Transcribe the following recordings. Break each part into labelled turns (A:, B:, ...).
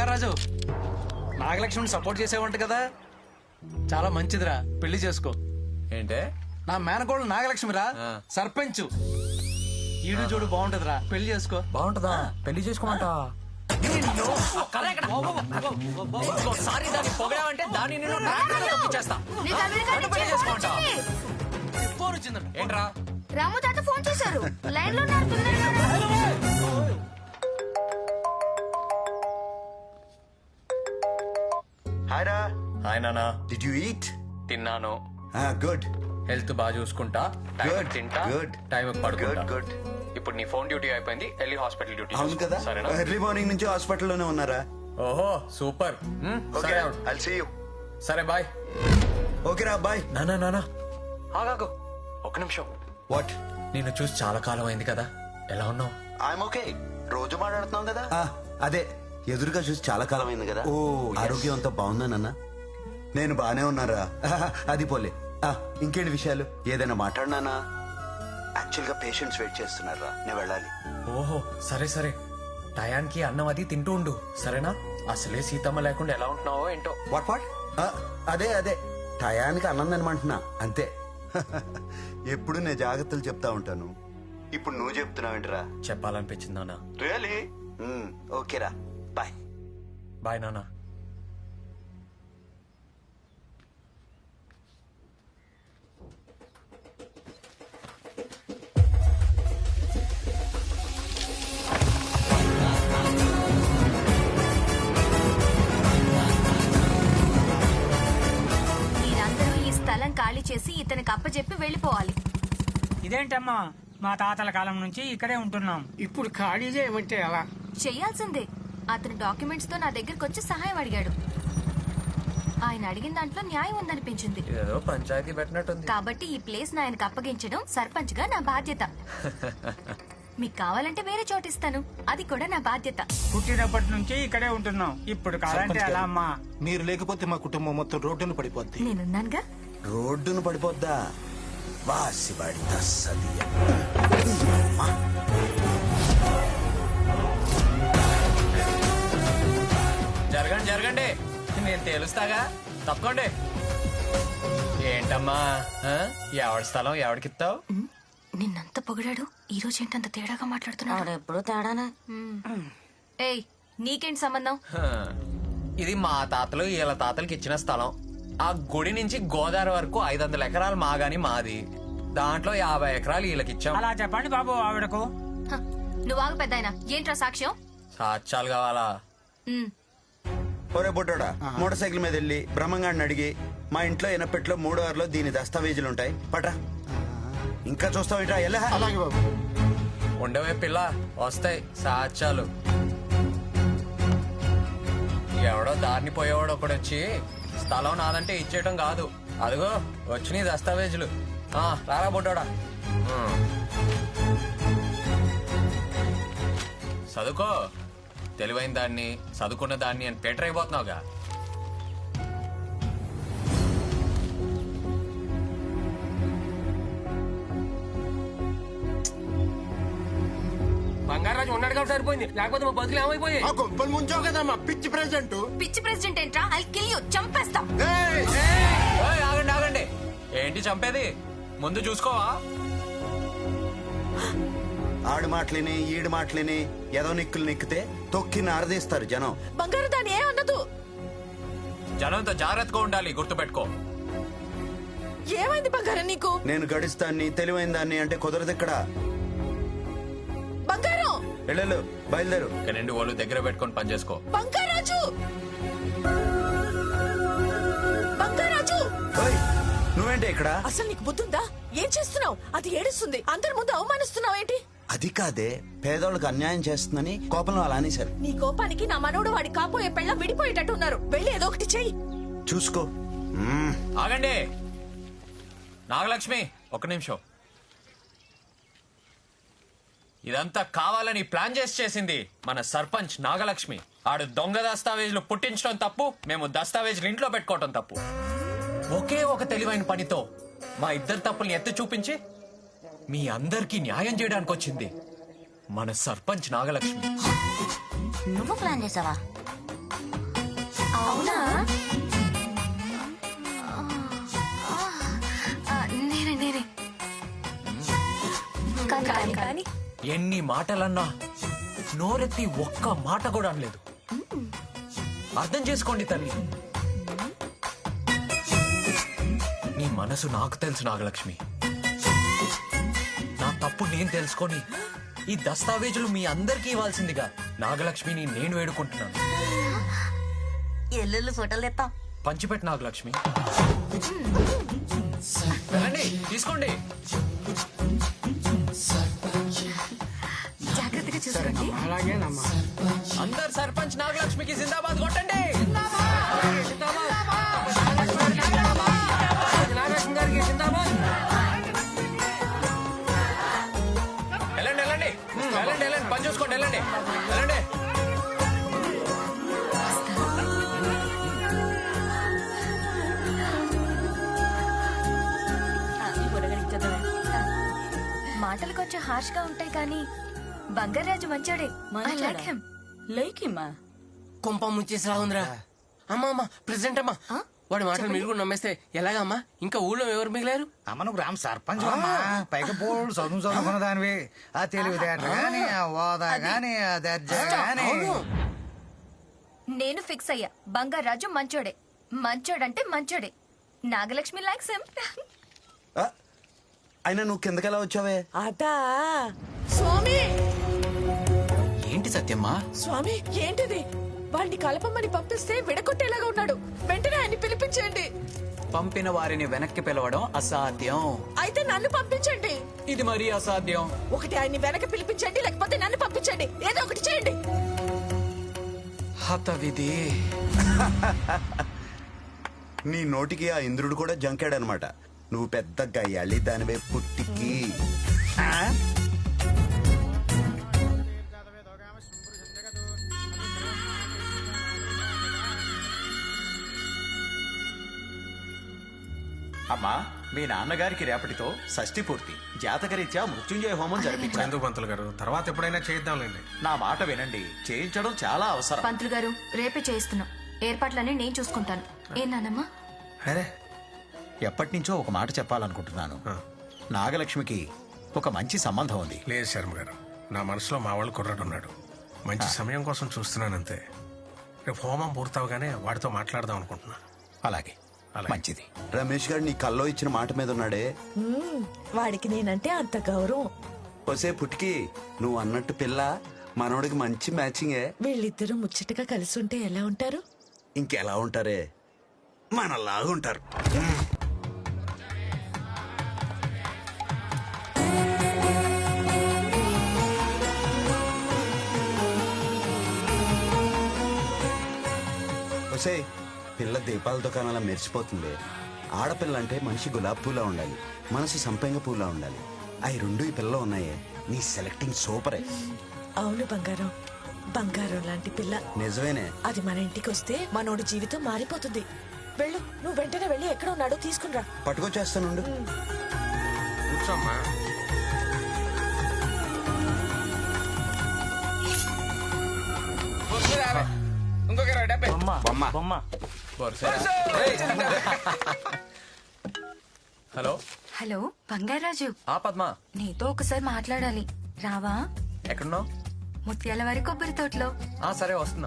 A: Bangarraju, నాగలక్ష్మిని support చేసేవంట కదా, చాలా మంచిదిరా, పెళ్లి చేసుకో.
B: ఏంటే?
A: నా మేనకోళ్ళు నాగలక్ష్మిరా, సర్పంచ్. ఈడు చూడు బాగుంటదిరా, పెళ్లి చేసుకో.
B: బాగుంటదా? పెళ్లి చేసుకోమంట. ఒకసారి దాన్ని పొగడావంటే దాన్ని నేను చేస్తా.
A: ఫోన్ వచ్చిందంట.
B: ఏంట్రా?
C: రాము తాత ఫోన్ చేశారు, లైన్ లో ఉన్నారు, తొందరగా.
D: హాయ్ రా.
B: హాయ్ నానా.
D: Did you eat?
B: తిన్నాను.
D: గుడ్.
B: హెల్త్ బాగా చూసుకుంటా, టైం తింటా, టైం పడుకుంటా.
D: గుడ్.
B: ఇప్పుడు నీ ఫోన్ డ్యూటీ అయిపోయింది, వెళ్ళి హాస్పిటల్ డ్యూటీ.
D: అవును కదా,
B: సరేనా?
D: ఎర్లీ మార్నింగ్ నుంచి హాస్పిటల్లోనే ఉన్నారా?
B: ఓహో సూపర్. సరే
D: ఐల్ సీ యు.
B: సరే బాయ్.
D: ఓకే రా, బాయ్.
B: నానా నానా ఆగాగు ఒక నిమిషం.
D: వాట్?
B: నిన్ను చూసి చాలా కాలం అయింది కదా, ఎలా ఉన్నావు?
D: I'm okay. రోజు మాట్లాడుతున్నాం కదా. అదే, ఎదురుగా చూసి చాలా కాలం అయింది కదా. ఓ, ఆరోగ్యం అంతా బాగుందా నాన్న? నేను బానే ఉన్నారా. అది పోలే. ఇంకేంటి విషయాలు? ఏదైనా మాట్లాడినానా? యాక్చువల్ గా పేషెంట్స్ వెయిట్ చేస్తున్నారా, నేను వెళ్ళాలి.
B: ఓహో సరే సరే, టయానికి అన్నం అది తింటూ ఉండు, సరేనా? అసలే సీతమ్మ లేకుండా ఎలా ఉంటున్నావో ఏంటో.
D: What what? అదే అదే, టయానికి అన్నం తినమంటున్నా అంతే. ఎప్పుడు నేను జాగ్రత్తలు చెప్తా ఉంటాను, ఇప్పుడు నువ్వు చెప్తున్నావేంటిరా?
B: చెప్పాలనిపించింది నాన్న.
D: రియలీ? ఓకేరా, బాయ్.
B: బాయ్ నాన్న.
C: మీరందరూ ఈ స్థలం ఖాళీ చేసి ఇతనికి అప్పచెప్పి వెళ్ళిపోవాలి.
E: ఇదేంటమ్మా, మా తాతల కాలం నుంచి ఇక్కడే ఉంటున్నాం, ఇప్పుడు ఖాళీ చేయమంటే ఎలా?
C: చెయ్యాల్సిందే. అతను డాక్యుమెంట్స్ తో నా దగ్గరకు వచ్చి సహాయం అడిగాడు. ఆయన అడిగిన దాంట్లో న్యాయం ఉందనిపించింది.
B: ఏదో పంచాయతీ పెట్టినట్టుంది.
C: కాబట్టి ఈ ప్లేస్ ఆయనకు అప్పగించడం సర్పంచ్ గా నా బాధ్యత. మీకు కావాలంటే వేరే చోటు ఇస్తాను, అది కూడా నా బాధ్యత.
E: పుట్టినప్పటి నుంచి ఇక్కడే ఉంటున్నాం, ఇప్పుడు కావాలంటే ఎలా అమ్మా?
F: మీరు లేకపోతే మా కుటుంబం మొత్తం రోడ్డును పడిపోద్ది.
C: నేనున్నానుగా.
D: రోడ్డును పడిపోద్దా? వాసివాడి తస్సదియ.
B: జరగండి జరగండి, నేను తేలుస్తాగా, తప్పకోండి. ఏంటమ్మా, ఎవడి స్థలం ఎవడికిస్తావు?
C: నిన్నంత పొగిడాడు, ఈ రోజు ఏంటంత తేడాగా మాట్లాడుతున్నాడు?
G: ఎప్పుడు తేడానా?
C: ఏయ్, నీకేంటి సంబంధం?
B: ఇది మా తాతలు వీళ్ళ తాతలకి ఇచ్చిన స్థలం. ఆ గుడి నుంచి గోదావరి వరకు 500 ఎకరాలు మాగాని మాది, దాంట్లో 50 ఎకరాలు వీళ్ళకిచ్చాం.
E: అలా చెప్పండి బాబు ఆవిడకు.
C: హ, నువ్వు ఆగు పెద్దాయన. ఏంట్రా సాక్ష్యం?
B: సాక్ష్యాలు కావాలా?
D: ఒరే బొట్టోడా, మోటార్ సైకిల్ మీద వెళ్ళి బ్రహ్మంగాడిని అడిగి, మా ఇంట్లో ఎనపెట్లో 3 దీని దస్తావేజులు ఉంటాయి, పట్రా. ఇంకా చూస్తావేట్రా? ఎలా?
F: అలాగే బాబు.
B: ఉండవే పిల్ల, వస్తాయి సాక్ష్యాలు. ఎవడో దారిని పోయేవాడు ఒకడొచ్చి స్థలం నాదంటే ఇచ్చేయటం కాదు. అదిగో వచ్చినాయి దస్తావేజులు. రారా బొడ్డోడా. చదువుకో, తెలివైన దాన్ని, చదువుకున్న దాన్ని అని పేటర్ అయిపోతున్నావుగా.
A: బంగారాజు ఉన్నాడు కాబట్టి సరిపోయింది, లేకపోతే మా బతుకులు ఏమైపోయాయి?
F: ముంచావు కదా మా పిచ్చి ప్రెసిడెంట్.
C: పిచ్చి ప్రెసిడెంట్ ఏంట్రా? ఐ కిల్ యు, చంపేస్తా.
B: ఏయ్, ఆగండి ఆగండి, ఏంటి చంపేది? ముందు చూసుకోవా?
D: ఆడు మాటలిని ఈడు మాటలిని ఏదో నిక్కులు నిక్కితే తొక్కి నారదీస్తారు జనం.
G: బంగారు దాని ఏ అన్నదు.
B: జనంతో జాగ్రత్తగా ఉండాలి, గుర్తుపెట్టుకో.
G: ఏమైంది బంగారం నీకు?
D: నేను గడిస్తాన్ని, తెలివైన దాన్ని అంటే కుదరదు ఇక్కడ.
G: బంగారం
D: వెళ్ళు, బయలుదేరు.
B: ఇక నుండి వాళ్ళు దగ్గర పెట్టుకొని పని చేసుకో.
G: బంగారాజు, బంగారాజు,
D: ఓయ్, నువ్వేంటి ఇక్కడ?
G: అసలు నీకు బుద్ధుందా? ఏం చేస్తున్నావు? అది ఏడుస్తుంది, అందరి ముందు అవమానిస్తున్నావు ఏంటి?
D: అది కాదే, పేదోళ్ళకి అన్యాయం చేస్తుందని కోపంలో అలా అనేశారు.
G: నీ కోపానికి నా మనోడు వాడి కాపోయే పెళ్ళ విడిపోయేటట్టు ఉన్నారు. వెళ్ళి ఏదో ఒకటి చెయ్యి.
D: చూసుకో.
B: ఆగండి నాగలక్ష్మి, ఒక్క నిమిషం. ఇదంతా కావాలని ప్లాన్ చేసింది మన సర్పంచ్ నాగలక్ష్మి. ఆడు దొంగ దస్తావేజులు పుట్టించడం తప్పు, మేము దస్తావేజులు ఇంట్లో పెట్టుకోవటం తప్పు. ఒకే ఒక తెలివైన పనితో మా ఇద్దరు తప్పుల్ని ఎత్తి చూపించి మీ అందరికీ న్యాయం చేయడానికి వచ్చింది మన సర్పంచ్ నాగలక్ష్మి.
G: నువ్వు ప్లాన్ చేసావా?
C: అవునా నేనే కానీ
B: ఎన్ని మాటలన్నా నోరెత్తి ఒక్క మాట కూడా అనలేదు. అర్థం చేసుకోండి తల్లి. నీ మనసు నాకు తెలుసు నాగలక్ష్మి. నా తప్పు నేను తెలుసుకొని ఈ దస్తావేజులు మీ అందరికీ ఇవ్వాల్సిందిగా నాగలక్ష్మిని నేను వేడుకుంటున్నాను.
G: ఎల్లుళ్ళు ఫోటోలు తెస్తాం.
B: పంచిపెట్టు నాగలక్ష్మి. వెళ్ళండి, తీసుకోండి.
C: జాగ్రత్తగా చూసుకోండి.
E: అలాగేనమ్మా.
B: అందరు సర్పంచ్ నాగలక్ష్మికి జిందాబాద్ కొట్టండి.
E: నాగలక్ష్మి గారికి జిందాబాద్.
B: వెళ్ళండి వెళ్ళండి వెళ్ళండి వెళ్ళండి, పని చూసుకోండి. వెళ్ళండి వెళ్ళండి.
C: మాటలు కొంచెం హార్ష్ గా ఉంటాయి కానీ బంగారాజు మంచోడే. I like him.
G: లేకిమ్మా
H: కుంప ముంచేసిలా ఉందిరా. అమ్మా అమ్మా ప్రెసిడెంట్ అమ్మా, వాడి మాటలు మీరు కూడా నమ్మేస్తే ఎలాగమ్మా? ఇంకా ఊళ్ళో ఎవరు మిగిలారు?
A: అమ్మ నువ్వు గ్రామ సర్పంచ్ అమ్మా, పైకి పోడు చదువుకున్న దానివి. ఆ తెలివితేటలు గాని, ఆ హోదా గాని, ఆ దర్జా గాని.
C: నేను ఫిక్స్ అయ్యా, బంగారాజు మంచోడే. మంచోడంటే మంచోడే. Nagalakshmi likes him.
D: ఆ, అయినా నువ్వు కిందకెలా వచ్చావే?
G: అదా స్వామి.
A: ఏంటి సత్యమ్మా?
G: స్వామి ఏంటిది? వాడిని కలపమని పంపిస్తే విడగొట్టేలాగా ఉన్నాడు. వెంటనే ఆయన్ని పిలిపించండి.
A: పంపిన వారిని వెనక్కి పిలవడం అసాధ్యం.
G: అయితే నన్ను పంపించండి.
A: ఇది మరీ అసాధ్యం.
G: ఒకటి ఆయన్ని వెనక పిలిపించండి, లేకపోతే నన్ను పంపించండి. ఏదో ఒకటి చేయండి.
A: హత విధి.
D: నీ నోటికి ఆ ఇంద్రుడు కూడా జంకాడనమాట. నువ్వు పెద్ద గయ్యాళి దానివే పుట్టికి.
I: అమ్మా, మీ నాన్నగారికి రేపటితో షష్ఠి పూర్తి. జాతకరీత్యా మృత్యుంజయ హోమం జరిపించారు.
F: ఎందుకు పంతులు గారు, తర్వాత ఎప్పుడైనా చేద్దాంలేండి.
I: నా మాట వినండి, చేయించడం చాలా అవసరం.
C: పంతులు గారు రేపే చేయిస్తున్నాం. ఏర్పాట్లన్నీ నేను చూసుకుంటాను. ఏ నానమ్మా?
I: అరే, ఎప్పటి నుంచో ఒక మాట చెప్పాలనుకుంటున్నాను. నాగలక్ష్మికి ఒక మంచి సంబంధం ఉంది.
F: లేదు శర్మ గారు, నా మనసులో మా వాళ్ళు కుర్రాడు ఉన్నాడు. మంచి సమయం కోసం చూస్తున్నానంతే. రేపు హోమం పూర్తవగానే వాడితో మాట్లాడదాం అనుకుంటున్నా.
I: అలాగే, మంచిది.
D: రమేష్ గారు నీ కల్లో ఇచ్చిన మాట మీద ఉన్నాడే.
G: వాడికి నేనంటే అంత గౌరవం.
D: ఒసే పుట్టికి, నువ్వు అన్నట్టు పిల్ల మనోడికి మంచి మ్యాచింగే.
G: వీళ్ళిద్దరూ ముచ్చటగా కలిసి ఉంటే ఎలా ఉంటారు?
D: ఇంకెలా ఉంటారే, మనలాగా ఉంటారు. ఒసే, పిల్ల దీపాల దుకాణాల మెరిసిపోతుంది. ఆడపిల్ల అంటే మనిషి గులాబ్ పూలా ఉండాలి, మనసు సంపెంగ పూలా ఉండాలి. అవి రెండు ఈ పిల్ల ఉన్నాయే. నీ సెలెక్టింగ్ సూపరే.
G: అవును బంగారం, బంగారం లాంటి పిల్ల.
D: నిజమేనే.
G: అది మన ఇంటికి వస్తే మనోడి జీవితం మారిపోతుంది. వెళ్ళు, నువ్వు వెంటనే వెళ్ళి ఎక్కడ ఉన్నాడో తీసుకునిరా.
D: పట్టుకొచ్చేస్తానుండు.
F: కూర్చోమ్మా.
B: హలో
C: హలో బంగారాజు,
B: ఆ పద్మ,
C: నీతో ఒకసారి మాట్లాడాలి. రావా?
B: ఎక్కడున్నావు?
C: ముత్యాల వారి కొబ్బరి తోటలో.
B: ఆ సరే, వస్తున్నా.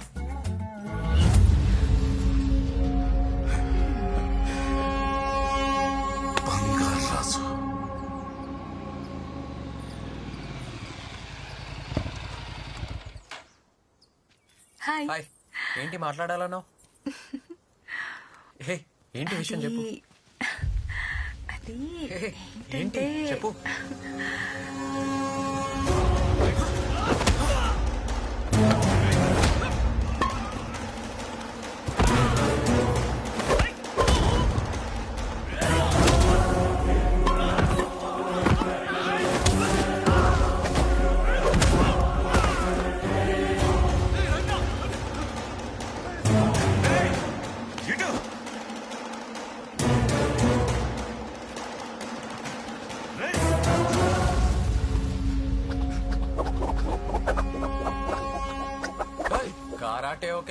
F: బంగారాజు.
C: హాయ్.
B: హాయ్. ఏంటి మాట్లాడాలన్నావు? హే, ఏంటి విషయం చెప్పు.
C: అది
B: హే, ఏంటి చెప్పు.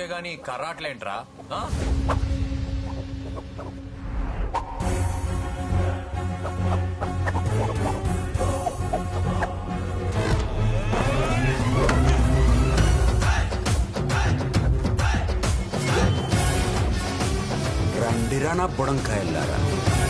B: గాని కర్రాట్లేంట్రా ఆ?
D: రండిరా నా బుడంకాయల్లారా